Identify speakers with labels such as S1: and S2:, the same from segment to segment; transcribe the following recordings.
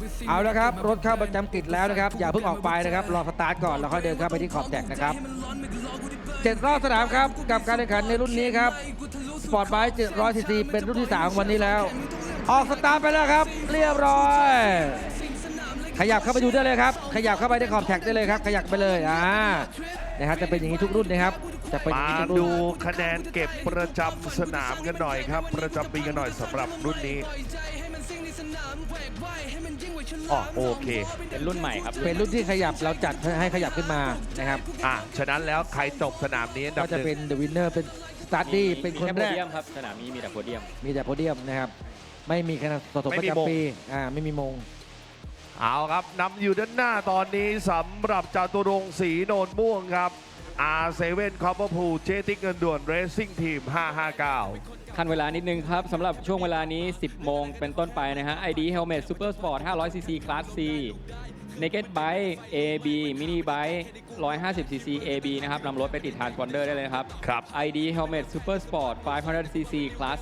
S1: เอาแล้วครับรถเข้าประจำกิจแล้วนะครับอย่าเพิ่งออกไปนะครับรอสตาร์ทก่อนแล้วค่อยเดินเข้าไปที่ขอบแท็กนะครับ7 รอบสนามครับกับการแข่งขันในรุ่นนี้ครับสปอร์ตไบค์700 ซีซีเป็นรุ่นที่3ของวันนี้แล้วออกสตาร์ทไปแล้วครับเรียบร้อยขยับเข้าไปดูได้เลยครับขยับเข้าไปในขอบแท็กได้เลยครับขยับไปเลยนะครับจะเป็นอย่างนี้ทุกรุ่นนะครับจะเป็นอย่างนี้ทุกรุ่น
S2: ดูคะแนนเก็บประจำสนามกันหน่อยครับประจำปีกันหน่อยสำหรับรุ่นนี้โอเค
S3: เป็นรุ่นใหม่ครับ
S1: เป็นรุ่นที่ขยับเราจัดให้ขยับขึ้นมานะครับ
S2: ฉะนั้นแล้วใครจบสนามนี้
S1: ก็จะเป็นเดอะวินเนอร์เป็นสตาร์ดี้เป็นคนแรก
S3: ครับสนามนี้มีแต่โพเดียม
S1: นะครับไม่มีคะแนนสะสมประจำปีไม่มีมง
S2: เอาครับนำอยู่ด้านหน้าตอนนี้สำหรับจตุรงค์ศรีโนนม่วงครับ R7 Copper Pool เจติกเงินด่วน Racing Team 559
S3: คันเวลานิดนึงครับสำหรับช่วงเวลานี้ 10 โมงเป็นต้นไปนะฮะ ID Helmet Super Sport 500cc Class C Naked Bike AB Mini Bike 150cc AB นะครับนำรถไปติดทรานสปอนเดอร์ได้เลยครับ ID Helmet Super Sport 500cc Class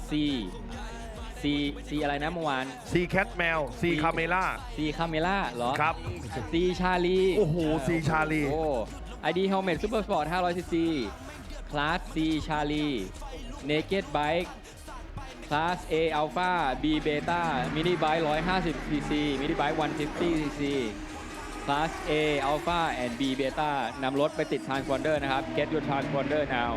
S3: C อะไรนะเมื่อวาน
S2: C Cat แมว C Camera
S3: C Camera เหรอ
S2: ครับ
S3: C Charlie
S2: โอ้โห C Charlie
S3: ID Helmet Super Sport 500cc Class C Charlie Naked Bike Class A Alpha B Beta Mini Bike 150cc Mini Bike 150cc Class A Alpha and B Beta นำรถไปติด Transponder นะครับ Get your Transponder now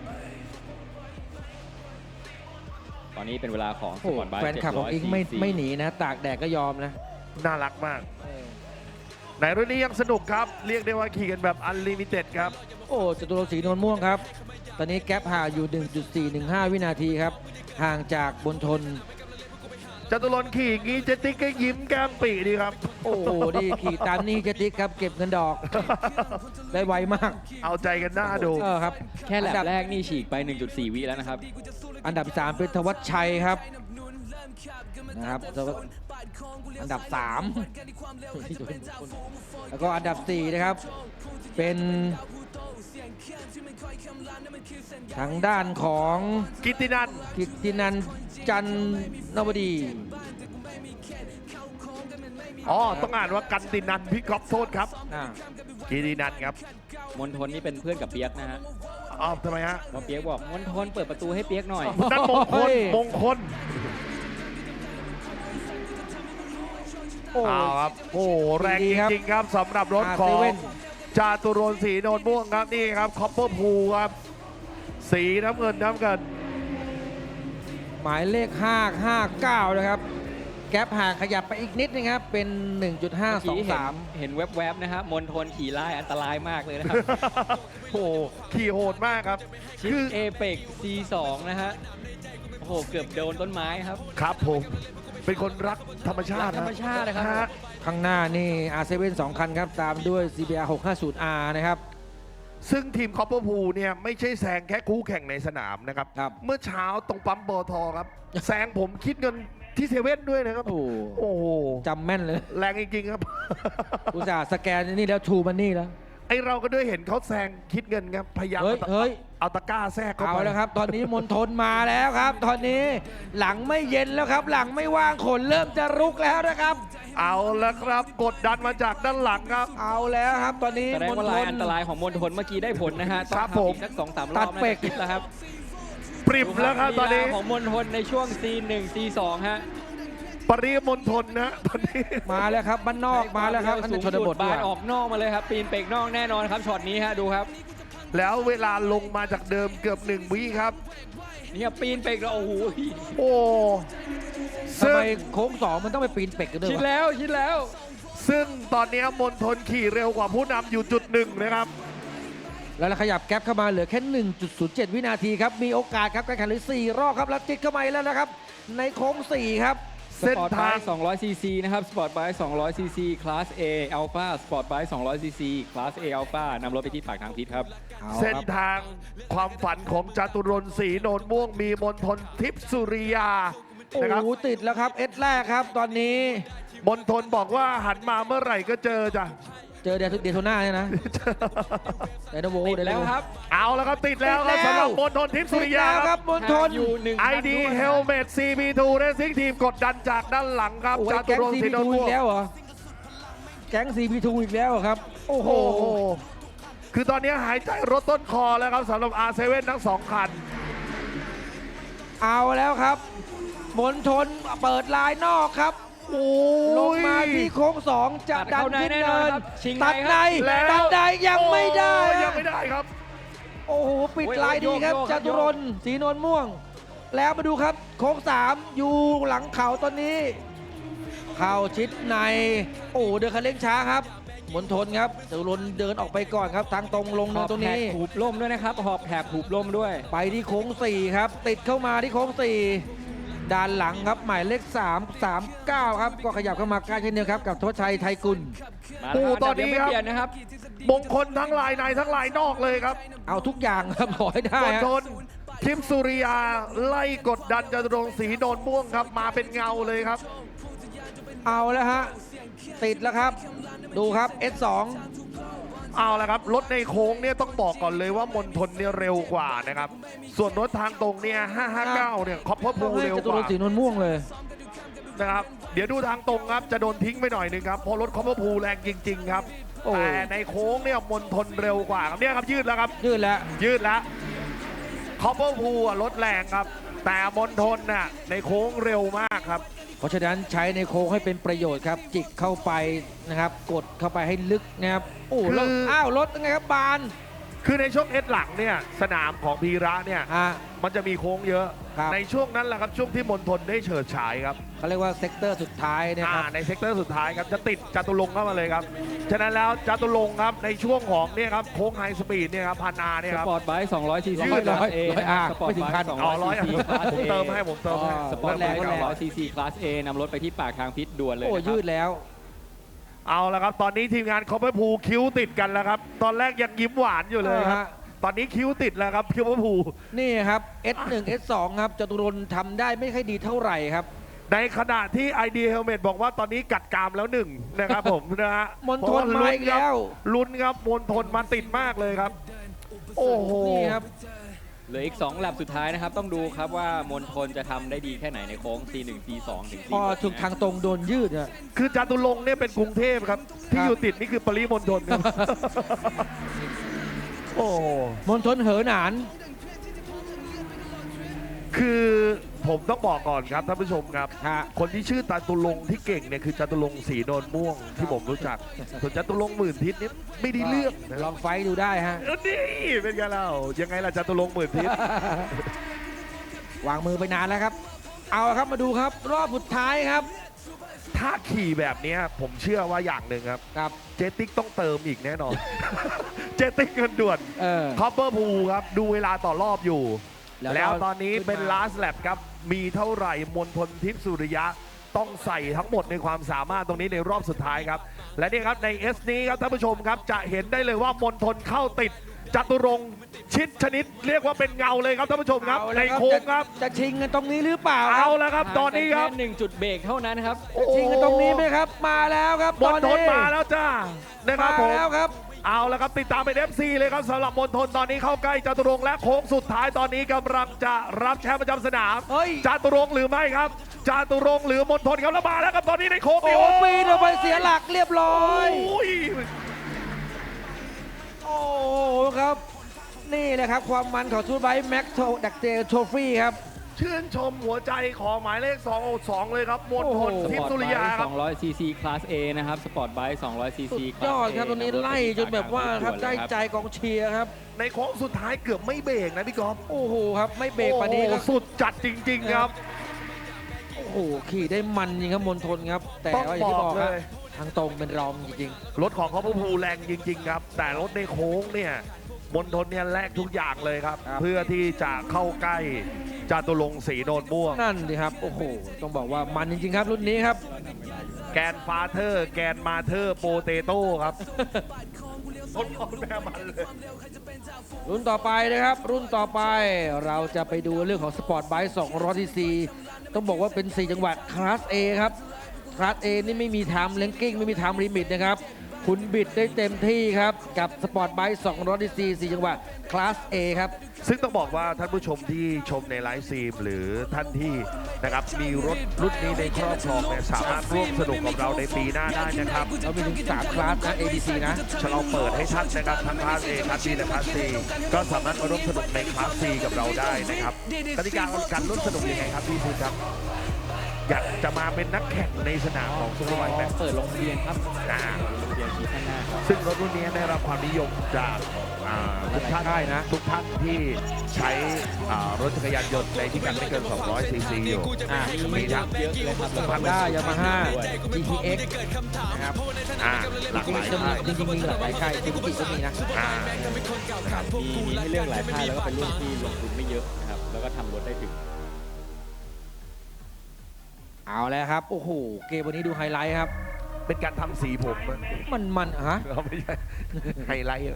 S3: ตอนนี้เป็นเวลาของสปอร์ตไบค์
S1: แฟนคลับของอิงไม่หนีนะตากแดดก็ยอมนะ
S2: น่ารักมากในรุ่นนี้ยังสนุกครับเรียกได้ว่าขี่กันแบบอันลิมิเต็ดครับ
S1: จตุรงค์ศรีโนนม่วงครับตอนนี้แก๊ปห่างอยู่ 1.415 วินาทีครับห่างจากบนทน
S2: จตุรงค์ขี่งี้เจติกก็ยิ้มแก้มปีดีครับ
S1: ดีขี่ตามนี่เจติกครับเก็บเงินดอกได้ไวมาก
S2: เอาใจกันหน้าดู
S1: ครับ
S3: แค่แลบแรกนี่ฉีกไป 1.4 วิแล้วนะครับ
S1: อันดับ3เป็นธวัชชัยครับนะครับอันดับ3แล้วก็อันดับ4นะครับเป็นทางด้านของ
S2: กิตติ
S1: นันจันนวดี
S2: ต้องอ่านว่ากันตินันพี่ก๊อฟโทษครับกิตตินันครับ
S3: มณฑลนี่เป็นเพื่อนกับเปียกนะฮะ
S2: ทำไมฮะ
S3: เปียกบอกมณฑลเปิดประตูให้เปียกหน่อย
S2: นั่นมงคลครับแรงจริงๆครับสำหรับรถของจาตุรงค์ศรีโนนม่วงครับนี่ครับคอปเปอร์พูลครับสีน้ำเงิน
S1: หมายเลข559นะครับแก๊ปห่างขยับไปอีกนิดนึงครับเป็น 1.523
S3: เห็นแวบๆนะครับมณฑลขี่ไล่อันตรายมากเลยนะครับ
S2: ขี่โหดมากครับ
S3: คือเอเปก C2 นะฮะเกือบโดนต้นไม้ครับ
S2: ครับผมเป็นคนรักธรรมชาติ
S3: นะครับ
S1: ข้างหน้านี่ R7 2 คันครับตามด้วย CBR 650R นะครับ
S2: ซึ่งทีมคอปเปอร์พูลเนี่ยไม่ใช่แซงแค่คู่แข่งในสนามนะครับเมื่อเช้าตรงปั๊มปตทครับแซงผมคิดเงินที่เซเว่นด้วยนะครับโอ้โห
S1: จำแม่นเลย
S2: แรงจริงๆครับ
S1: อุตส่าห์สแกนนี่แล้วทูมันนี่แล้ว
S2: ไอเราก็ด้วยเห็นเขาแซงคิดเงินครับพยายามเอาตะกร้าแทรกเข้าไป
S1: แล้วครับตอนนี้มณฑลมาแล้วครับตอนนี้หลังไม่เย็นแล้วครับหลังไม่ว่างขนเริ่มจะรุกแล้วนะครับ
S2: เอาแล้วครับกดดันมาจากด้านหลังครับ
S1: เอาแล้วครับตอนนี้
S3: แสดงว่าลายอันตรายของมณฑลเมื่อกี้ได้ผลนะฮะ
S2: ครับผม
S3: สัก 2-3 รอบน่าจะคิดแล้วครับ
S2: ปริบแล้วครับตอนนี้
S3: ของมณฑลในช่วง C1 C2 ฮะ
S2: ปริมณฑลนะตอนนี้
S1: มาแล้วครับบ้านนอกมาแล้วครับ
S3: สูงสุดบานออกนอกมาเลยครับปีนเปกนอกแน่นอนครับช็อตนี้ฮะดูครับ
S2: แล้วเวลาลงมาจากเดิมเกือบ1 วิครับ
S3: นี่ปีนเปกแล้วโอ้โห
S1: ทำไมโค้ง2มันต้องไปปีนเปกกันด้วย
S3: ชิดแล้ว
S2: ซึ่งตอนนี้มณฑลขี่เร็วกว่าผู้นำอยู่จุด1นะครับ
S1: แล้วขยับแก๊ปเข้ามาเหลือแค่ 1.07 วินาทีครับมีโอกาสครับการแข่งขันเหลือ4 รอบครับแล้วติดเข้ามาแล้วนะครับในโค้ง4ครับ
S3: สปอร์ตไบค์ 200cc นะครับสปอร์ตไบค์ 200cc Class A Alpha สปอร์ตไบค์ 200cc Class A Alpha นำรถไปที่ปากทางพิษครับ
S2: เส้นทางความฝันของจตุรงค์ศรีโนนม่วงมีมณฑลทิพย์สุริยา
S1: นะครับติดแล้วครับเอสแรกครับตอนนี้
S2: มณฑลบอกว่าหันมาเมื่อไหร่ก็เจอจ้ะ
S1: เจอเดโทน่าเนี่ยนะเดโนโว
S3: ติดแล้วครับ
S2: เอาแล้วครับติดแล้วครับ
S1: ติดแล้ว
S2: สำหรับมณฑลทิพย์สุริยา
S1: ติดแล้ว
S2: ค
S1: ค
S2: รั
S1: รั
S2: บบ
S1: มณฑล
S3: อยู่ 1
S2: ID Helmet CB2 Racing Team กดดันจากด้านหลังครับ
S1: โอ้ย
S2: จาตุ
S1: แก๊ง
S2: รงค์
S1: ซี
S2: ศรี
S1: พี
S2: โนน
S1: ทู
S2: ม่
S1: อี
S2: วง
S1: กแล้วเหรอแก๊งซีพีทูอีกแล้วเหรอครับโอ้โห
S2: โอ้โหคือตอนนี้หายใจรถต้นคอแล้วครับสำหรับ R7 ทั้ง 2 คัน
S1: เอาแล้วครับมณฑลเปิดลายนอกครับ
S2: โอ้
S1: ลงมาที่โค้งสองจะ
S3: ตัด
S1: ดัน
S3: เข้าใน
S1: ขึ้น
S3: แน่นอ
S1: เนิ
S3: น
S1: น
S3: ครับชิง
S1: ตัด
S3: ใน
S1: ใน
S3: ครับ
S2: แล้ว
S1: ตัดในยังไม่ได้
S2: โอ้
S1: ฮะ
S2: ยังไม่ได้ครับ
S1: โอ้โหปิด
S3: โอ้ย
S1: ลายดีครับ
S3: โยก
S1: จตุรนต์ศรีนวลม่วง แล้วมาดูครับโค้งสามอยู่หลังเขาตอนนี้ เข้าชิดในโอ้เดินคันเร่งช้าครับมณฑลครับจตุรนต์เดินออกไปก่อนครับทางตรงลง
S3: ห
S1: เนิ
S3: อน บ
S1: ตรง
S3: แถบ
S1: นี้
S3: หูบล่มด้วยนะครับ หอบแถบหูบล่มด้วย
S1: ไปที่โค้ง4ครับติดเข้ามาที่โค้ง4ด้านหลังครับหมายเลข339ครับก็ขยับเข้ามาใกล้เช่นเดียวครับกับทศชัยไทยกุล
S3: มา
S2: โอ้
S3: แล้วครับ
S2: ตอนนี้
S3: เดี๋ยว
S2: ครับ
S3: ไม่เปลี่ยนนะครับ
S2: มงคลทั้งลายในทั้งลายนอกเลยครับ
S1: เอาทุกอย่างครับขอให้ได้
S2: มณ
S1: ฮะ
S2: ฑลทิพย์สุริยาไล่กดดันจตุรงค์ศรีโนนม่วงครับมาเป็นเงาเลยครับ
S1: เอาแล้วฮะติดแล้วครับ ดูครับ S2
S2: เอาละครับรถในโค้งเนี่ยต้องบอกก่อนเลยว่ามณฑลเนี่ยเร็วกว่านะครับส่วนรถทางตรงเนี่ย559เนี่ยคอปเปอร์
S1: ต้
S2: พู
S1: องให้
S2: เร็ว
S1: จ
S2: ก
S1: ตุร
S2: ว่าน
S1: ต์ศรีนวลม่วงเลย
S2: นะครับเดี๋ยวดูทางตรงครับจะโดนทิ้งไปหน่อยหนึงครับเพราะรถคอปเปอร์พูแรงจริง ๆ ครับ
S1: โอ้
S2: แต่ในโค้งเนี่ยมณฑลเร็วกว่าครับเนี่ยครับยืดแล้วครับ
S1: ยืดแล้ว
S2: ยืดแล้วคอปเปอร์พูรถแรงครับ แต่มณฑลน่ะในโค้งเร็วมากครับ
S1: เพราะฉะนั้นใช้ในโค้งให้เป็นประโยชน์ครับ จิกเข้าไปนะครับกดเข้าไปให้ลึกนะครับโอ้แล้วอ้าวรถยังไงครับบาน
S2: คือในช่วงเอสหลังเนี่ยสนามของพีระเนี่ย
S1: อ่ะ
S2: มันจะมีโค้งเยอะ
S1: ครับ
S2: ในช่วงนั้นแหละครับช่วงที่มณฑลได้เฉิดฉายครับ
S1: เขาเรียกว่าเซกเตอร์สุดท้ายนะครับ
S2: ในเซกเตอร์สุดท้ายครับจะติดจตุรงค์เข้ามาเลยครับฉะนั้นแล้วจตุรงค์ครับในช่วงของเนี่ยครับโค้งไฮสปีดเนี่ยครับพันอาเนี่ย
S3: ส
S2: ครับ
S3: ปอร์ตไบค์200 ซีซี
S2: ยืด
S3: คลาส A
S1: ร้อยอ่ะ
S3: สปอร์
S1: ไม่
S3: ต
S1: ถึง
S3: ไบ
S1: พัน
S3: ค์
S2: อ๋อร้อย
S3: 200 ซีซีคลาส
S2: ผม
S3: A
S2: เติมให้ผมเติมให้
S3: สปอร์ตแรง
S1: ก็แรง
S3: 200 ซีซีคลาส A นำรถไปที่ปากทางพิษด่วนเลย
S1: โอ้
S3: นะครับ
S1: ยืดแล้ว
S2: เอาละครับตอนนี้ทีมงานคอปเปอร์พูคิ้วติดกันแล้วครับตอนแรกยังยิ้มหวานอยู่เลยครับตอนนี้คิ้วติดแล้วครับคอปเปอร์พู
S1: นี่ครับ S1 S2 ครับจตุรนต์ทำได้ไม่ค่อยดีเท่าไหร่ครับ
S2: ในขณะที่ ID Helmet บอกว่าตอนนี้กัดกรามแล้วหนึ่งนะครับผมนะฮะ
S1: มณฑลมาอีกแล้ว
S2: ลุ้นครับมณฑลมาติดมากเลยครับ โอ้โห
S1: นี่ครับ
S3: เหลืออีก2แลปสุดท้ายนะครับ ต้องดูครับว่ามณฑลจะทำได้ดีแค่ไหนในโค้ง C1 C2 ถึง
S1: พอ
S3: C6
S1: ถูกทางตรงโดนยืดอะ
S2: คือจตุรงค์เนี่ยเป็นกรุงเทพครับ ที่อยู่ติดนี่คือปริมณฑลครับ โอ้โห
S1: มณฑลเหอหนาน
S2: คือผมต้องบอกก่อนครับท่านผู้ชมครับ
S1: ฮะ
S2: คนที่ชื่อจตุรงค์ที่เก่งเนี่ยคือจตุรงค์ศรีโนนม่วงที่ผมรู้จัก ส่วนจตุรงค์หมื่นทิศเนี่ยไม่ได้เลือกนะ
S1: ลองไฟท์ดูได้ฮะ
S2: นี่เป็นไงเรายังไงล่ะจตุรงค์หมื่นทิศ
S1: วางมือไปนานแล้วครับ เอาละครับมาดูครับ รอบสุดท้ายครับ
S2: ถ้าขี่แบบเนี้ยผมเชื่อว่าอย่างหนึ่งครับ
S1: ครับ
S2: เจติกต้องเติมอีกแน่นอน เจติกเงินด่วน
S1: เออ
S2: คอปเปอร์พูครับ ดูเวลาต่อรอบอยู่
S1: แล้ว
S2: แล้วตอนนี้
S1: ขึ้นมา
S2: เป็น last lap ครับ มีเท่าไหร่มณฑลทิพย์สุริยะ ต้องใส่ทั้งหมดในความสามารถตรงนี้ในรอบสุดท้ายครับ และนี่ครับใน S นี้ครับท่านผู้ชมครับ จะเห็นได้เลยว่ามณฑลเข้าติดจตุรงค์ชิดชนิด เรียกว่าเป็นเงาเลยครับท่านผู้ชมครับ
S1: เอา
S2: ใน
S1: ละ
S2: โค้งครับ
S1: จะชิงกันตรงนี้หรือเปล่าค
S2: เอา
S1: รับ
S2: แล้วครับตอนนี้ครับ
S3: แค่1จุดเบรกเท่านั้นครับ
S1: ชิงกันตรงนี้ไหมครับ มาแล้วครับ
S2: ม
S1: ตอ
S2: ณ
S1: น
S2: ฑล
S1: นี้
S2: มาแล้วจ้านะครับผม
S1: มาแล้วครับ
S2: เอาละครับติดตามเป็น FC เลยครับสำหรับมณฑลตอนนี้เข้าใกล้จตุรงค์และโค้งสุดท้ายตอนนี้กำลังจะรับแชมป์ประจำสนาม
S1: เฮ้ย
S2: จตุรงค์หรือไม่ครับจตุรงค์หรือมณฑลครับแล้วมาแล้วครับตอนนี้ในโค้ง
S1: โอ้ปีนออกไปเสียหลักเรียบร้อย
S2: โอ้ย
S1: โอ้ครับ นี่แหละครับความมันของทูตไบค์แม็กโทดักเจลโทฟี่ครับ
S2: ชื่นชมหัวใจของหมายเลข2เลยครับมณฑล
S3: ส
S2: ทิพ
S3: ปอร์ต
S2: ย์สุ
S3: ไบ
S2: ริยา
S3: ค์
S2: ครับ
S3: 200 ซีซีคลาส A นะครับ สปอร์ตไบค์200 ซี
S1: สุ
S3: ซี
S1: ด
S3: คลาส
S1: ยอด
S3: A
S1: ครับตรงนี้ไล่จนแบบว่าครับได้ใจกองเชียร์ครับ
S2: ในโค้งสุดท้ายเกือบไม่เบรกนะพี่กอล์ฟ
S1: โอ้โหครับไม่เบรกปานนี้
S2: โอ้
S1: ค
S2: โห
S1: รับ
S2: สุดจัดจริง ๆ ครับ
S1: โอ้โหขี่ได้มันจริงครับมณฑลครับ แต่
S2: ต้อง
S1: ว่าอย่างที่บอก
S2: บอก
S1: ค
S2: เล
S1: รับ
S2: ย
S1: ทางตรงเป็นรองจริง
S2: รถของเขาพูแรงจริง ๆ ครับ แต่รถในโค้งเนี่ยมณฑลเนี่ยแลกทุกอย่างเลยครับ เพื่อที่จะเข้าใกล้จตุรงค์ศรีโนนม่วง
S1: ๆนั่นดิครับโอ้โหต้องบอกว่ามันจริงๆครับรุ่นนี้ครับ
S2: แกนฟาเธอร์ แกนมาเธอร์โปเตโต้ครับคนพ่อแม่มันเลย
S1: รุ่นต่อไปนะครับ รุ่นต่อไปเราจะไปดูเรื่องของสปอร์ตไบค์200 ซีซีต้องบอกว่าเป็น 4 จังหวัดคลาส A ครับคลาส A นี่ไม่มีไทม์เลนกิ้งไม่มีไทม์ลิมิตนะครับคุณบิดได้เต็มที่ครับกับสปอร์ตไบค์200 cc 4จังหวะคลาส A ครับ
S2: ซึ่งต้องบอกว่าท่านผู้ชมที่ชมในไลฟ์สตรีมหรือท่านที่นะครับมีรถรุ่นนี้ในครอบครองเนี่ยสามารถร่วมสนุกกับเราในปีหน้าได้นะครับ
S1: เรามีถึง3คลาสนะ ABC นะ
S2: เราเปิดให้ท่านนะครับทั้งคลาส A คลาส B และคลาส C ก็สามารถมาร่วมสนุกในคลาส C กับเราได้นะครับกติกาการร่วมสนุกยังไงครับพี่ซีครับอยากจะมาเป็นนักแข่งในสนามของซูเปอร์ไบค์ไหม
S3: เปิดลงทะเบียนครับ
S2: อ่า
S3: ลงทะเบียนที่ข้างหน้าครับ
S2: ซึ่งรถรุ่นนี้ได้รับความนิยมจากทุกท่าน
S1: ได้นะ
S2: ทุกท่านที่ใช้รถจักรยานยนต์ในที่กันไม่เกิน 200 ซีซีอยู่
S3: มีเยอะเลยครับแล้วก็
S1: Honda Yamaha GTX นะครับ
S2: หลากหลายค่าย
S1: จริงๆมีหลากหลายค่ายซูซูกิก็มีนะ
S2: นะครับ
S3: มีให้เลือกหลายค่ายแล้วก็เป็นรุ่นที่ลงทุนไม่เยอะนะครับแล้วก็ทำรถได้ถึง
S1: เอาแล้วครับ โอ้โห เกมวันนี้ดูไฮไลท์ครับ
S2: เป็นการทำสีผมอะ
S1: มันฮะ
S2: เราไม่ใช่ไฮไลท์อะ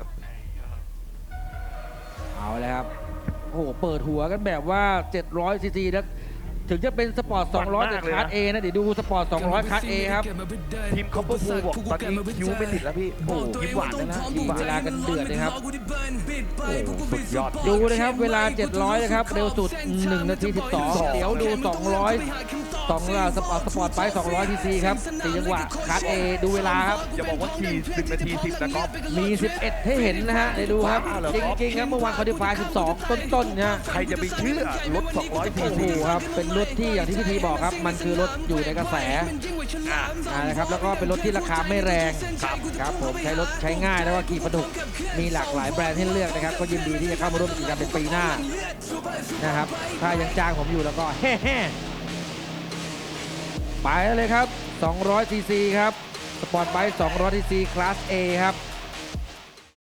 S1: เอาแล้วครับ โอ้โห เปิดหัวกันแบบว่า 700 ซีซีนะถึงจะเป็นสปอร์ต 200แต่คลาส A นะ เดี๋ยวดูสปอร์ต 200 คลาส A ครับ
S2: ทีมคอปเปอร์พูบอกตอนนี้คิ้วไม่ติดแล้วพี่โอ้โหยิ้มหวานแล้วนะยิ้มหวาน
S1: เวลากันเดือดนะครับ
S2: โอ้โหสุดยอด
S1: ดูนะครับ เวลา 700 นะครับ เร็วสุด 1 นาที 12 เดี๋ยวดู 200 สปอร์ตไป200 ซีซีครับ4จังหวะคลาส A ดูเวลาครับ
S2: อย่าบอกว่าขี่1 นาที 10นะครับ
S1: มี 11 ให้เห็นนะฮะเดี๋ยวดูครับ
S2: ว้าวเหรอ
S1: จ
S2: ครับ
S1: ริงๆครับ เมื่อวานคอดิฟาย12 ต้นๆนะ
S2: ใครจะไปเชื่อรถ 200 ซี
S1: โอ้โห
S2: ซี
S1: ครับ เป็นรถที่อย่างที่พี่ทีบอกครับ มันคือรถอยู่ในกระแสนะครับ แล้วก็เป็นรถที่ราคาไม่แรงครับผมใช้รถใช้ง่ายแล้วก็ขี่สนุกมีหลากหลายแบรนด์ให้เลือกนะครับ ก็ยินดีที่จะเข้ามาร่วมกิจกรรมในปีหน้านะครับ ถ้ายังจ้างผมอยู่แล้วก็แฮ่ๆไปเลยครับ200 ซีซีครับ สปอร์ตไบค์200 ซีซีคลาส A ครับ